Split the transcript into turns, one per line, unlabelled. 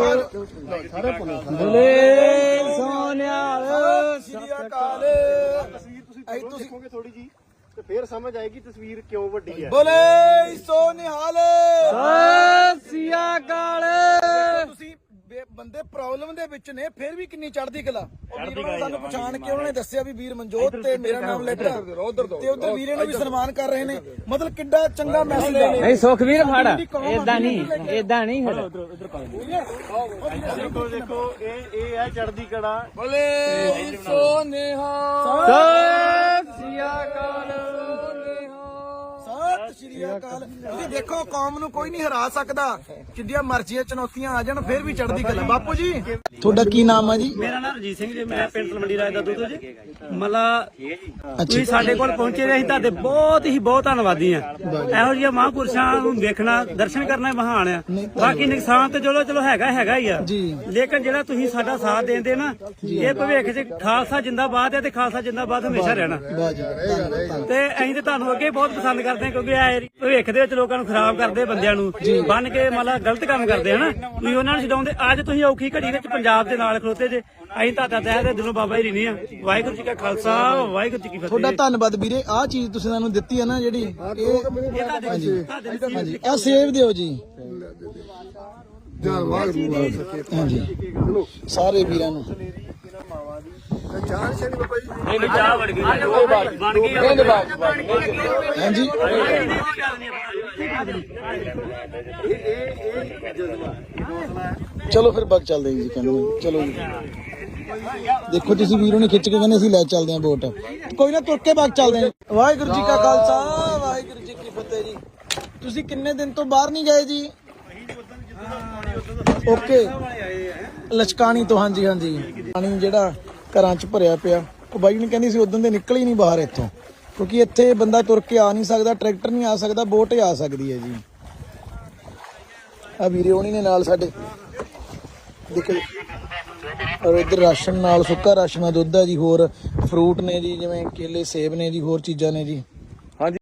ਤੁਸੀਂ ਦੇਖੋਗੇ ਥੋੜੀ ਜੀ ਤੇ ਫੇਰ ਸਮਝ ਆਏਗੀ ਤਸਵੀਰ ਕਿਉਂ ਵੱਡੀ ਹੈ।
ਬੋਲੇ ਸੋ ਨਿਹਾਲ
ਸਤਿ ਸ੍ਰੀ ਅਕਾਲ।
ਤੁਸੀਂ ਬੰਦੇ ਪ੍ਰੋਬਲਮ ਦੇ ਵਿੱਚ ਨੇ ਫਿਰ ਵੀ ਕਿੰਨੀ ਚੜ੍ਹਦੀ ਕਲਾ। ਸਾਨੂੰ ਪਛਾਣ ਕੇ ਉਹਨਾਂ ਨੇ ਦੱਸਿਆ ਵੀ ਵੀਰ ਮਨਜੋਤ ਤੇ ਮੇਰਾ ਨਾਮ ਲੈਟਾ ਤੇ ਉਧਰ ਵੀਰੇ ਨੂੰ ਵੀ ਸਨਮਾਨ ਕਰ ਰਹੇ ਨੇ। ਮਤਲਬ ਕਿੱਡਾ ਚੰਗਾ ਮੈਸੇਜ ਹੈ।
ਨਹੀਂ ਸੁਖਵੀਰ ਫੜ ਏਦਾਂ ਨਹੀਂ ਫਿਰ
ਦੇਖੋ ਇਹ ਹੈ ਚੜ੍ਹਦੀ ਕਲਾ।
ਬੋਲੇ ਸੋ ਨਿਹਾਲ
ਸਤਿ ਸ੍ਰੀ ਅਕਾਲ।
ਸਤਿ ਸ਼੍ਰੀ ਅਕਾਲ। ਤੁਸੀਂ ਦੇਖੋ ਕੌਮ ਨੂੰ ਕੋਈ ਨਹੀਂ ਹਰਾ ਸਕਦਾ, ਜਿੰਨੀਆਂ ਮਰਜ਼ੀਆਂ ਚੁਣੌਤੀਆਂ ਆ ਜਾਣ ਫਿਰ ਵੀ ਚੜ੍ਹਦੀ ਕਲਾ। ਬਾਪੂ ਜੀ ਤੁਹਾਡਾ ਕੀ ਨਾਮ ਆ ਜੀ?
ਮੇਰਾ ਨਾਮ ਰਜੀਤ ਸਿੰਘ ਜੀ, ਮੈਂ ਪਿੰਡ ਤਲਵੰਡੀ ਰਾਜ ਦਾ ਦੁੱਧ ਜੀ। ਮਤਲਬ ਤੁਸੀਂ ਸਾਡੇ ਕੋਲ ਪਹੁੰਚੇ ਰਹੇ, ਅਸੀਂ ਤੁਹਾਡੇ ਬਹੁਤ ਧੰਨਵਾਦੀ ਆ। ਇਹੋ ਜਿਹੀਆਂ ਮਹਾਂਪੁਰਸ਼ਾਂ ਨੂੰ ਵੇਖਣਾ, ਦਰਸ਼ਨ ਕਰਨਾ ਮਹਾਨ ਆ। ਬਾਕੀ ਨੁਕਸਾਨ ਤੇ ਚਲੋ ਹੈਗਾ ਹੀ ਆ, ਲੇਕਿਨ ਜਿਹੜਾ ਤੁਸੀਂ ਸਾਡਾ ਸਾਥ ਦੇਂਦੇ ਨਾ, ਇਹ ਭਵਿੱਖ 'ਚ ਖਾਲਸਾ ਜਿੰਦਾਬਾਦ ਹੈ ਤੇ ਖਾਲਸਾ ਜਿੰਦਾਬਾਦ ਹਮੇਸ਼ਾ ਰਹਿਣਾ। ਤੇ ਅਸੀਂ ਤੇ ਤੁਹਾਨੂੰ ਅੱਗੇ ਬਹੁਤ ਪਸੰਦ ਕਰਦੇ ਹਾਂ, ਕਿਉਂਕਿ ਇਹ ਭਵਿੱਖ ਦੇ ਵਿੱਚ ਲੋਕਾਂ ਨੂੰ ਖਰਾਬ ਕਰਦੇ, ਬੰਦਿਆਂ ਨੂੰ ਬੰਨ ਕੇ ਮਤਲਬ ਗਲਤ ਕੰਮ ਕਰਦੇ ਹਨਾ, ਤੁਸੀਂ ਉਹਨਾਂ ਨੂੰ ਛਡਾਉਂਦੇ। ਅੱਜ ਤੁਸੀਂ ਔਖੀ ਘੜੀ ਵਿੱਚ ਪੰਜਾਬ ਦੇ ਨਾਲ ਖਲੋਤੇ ਜੇ, ਅਸੀਂ ਤੁਹਾਡਾ ਤਹਿ ਦੇ ਦਿਲੋਂ ਬਾਬਾ ਜੀ ਰਹਿੰਦੇ ਆ। ਵਾਹਿਗੁਰੂ ਜੀ ਕਾ ਖਾਲਸਾ, ਵਾਹਿਗੁਰੂ ਜੀ ਕੀ ਫਤਿਹ।
ਤੁਹਾਡਾ ਧੰਨਵਾਦ ਵੀਰੇ। ਆਹ ਚੀਜ਼ ਤੁਸੀਂ ਸਾਨੂੰ ਦਿੱਤੀ ਹੈ ਨਾ ਜਿਹੜੀ, ਹਾਂਜੀ ਆਹ ਸੇਵ ਦਿਓ ਜੀ। ਹਾਂਜੀ ਸਾਰੇ ਵੀਰਾਂ ਨੂੰ ਹਾਂਜੀ ਚਲੋ ਫਿਰ ਬਗ ਚੱਲਦੇ ਜੀ। ਕਹਿੰਦੇ ਚਲੋ ਜੀ, ਦੇਖੋ ਤੁਸੀਂ ਵੀਰੋਂ ਨੇ ਖਿੱਚ ਕੇ ਕਹਿੰਦੇ ਅਸੀਂ ਲੈ ਚੱਲਦੇ ਆਂ ਵੋਟ। ਕੋਈ ਨਾ ਤੁਰ ਕੇ ਬਗ ਚੱਲਦੇ ਆਂ। ਵਾਹਿਗੁਰੂ ਜੀ ਕਾ ਖਾਲਸਾ, ਵਾਹਿਗੁਰੂ ਜੀ ਕੀ ਫਤਿਹ ਜੀ। ਤੁਸੀਂ ਕਿੰਨੇ ਦਿਨ ਤੋਂ ਬਾਹਰ ਨਹੀਂ ਗਏ ਜੀ? ਓਕੇ, ਲਚਕਾਣੀ ਤੋਂ। ਹਾਂਜੀ ਪਾਣੀ ਜਿਹੜਾ ਘਰਾਂ 'ਚ ਭਰਿਆ ਪਿਆ, ਉਹ ਬਾਈ ਨੇ ਕਹਿੰਦੀ ਸੀ ਉਦੋਂ ਦੇ ਨਿਕਲ ਹੀ ਨਹੀਂ ਬਾਹਰ ਇੱਥੋਂ, ਕਿਉਂਕਿ ਇੱਥੇ ਬੰਦਾ ਤੁਰ ਕੇ ਆ ਨਹੀਂ ਸਕਦਾ, ਟਰੈਕਟਰ ਨਹੀਂ ਆ ਸਕਦਾ, ਬੋਟ ਆ ਸਕਦੀ ਹੈ ਜੀ। ਆ ਵੀਰੇ ਹੋਣੀ ਨੇ ਨਾਲ ਸਾਡੇ ਦੇਖੋ, ਔਰ ਇੱਧਰ ਰਾਸ਼ਨ ਨਾਲ ਸੁੱਕਾ ਰਾਸ਼ਨ ਆ, ਦੁੱਧ ਆ ਜੀ, ਹੋਰ ਫਰੂਟ ਨੇ ਜੀ, ਜਿਵੇਂ ਕੇਲੇ ਸੇਬ ਨੇ ਜੀ, ਹੋਰ ਚੀਜ਼ਾਂ ਨੇ ਜੀ।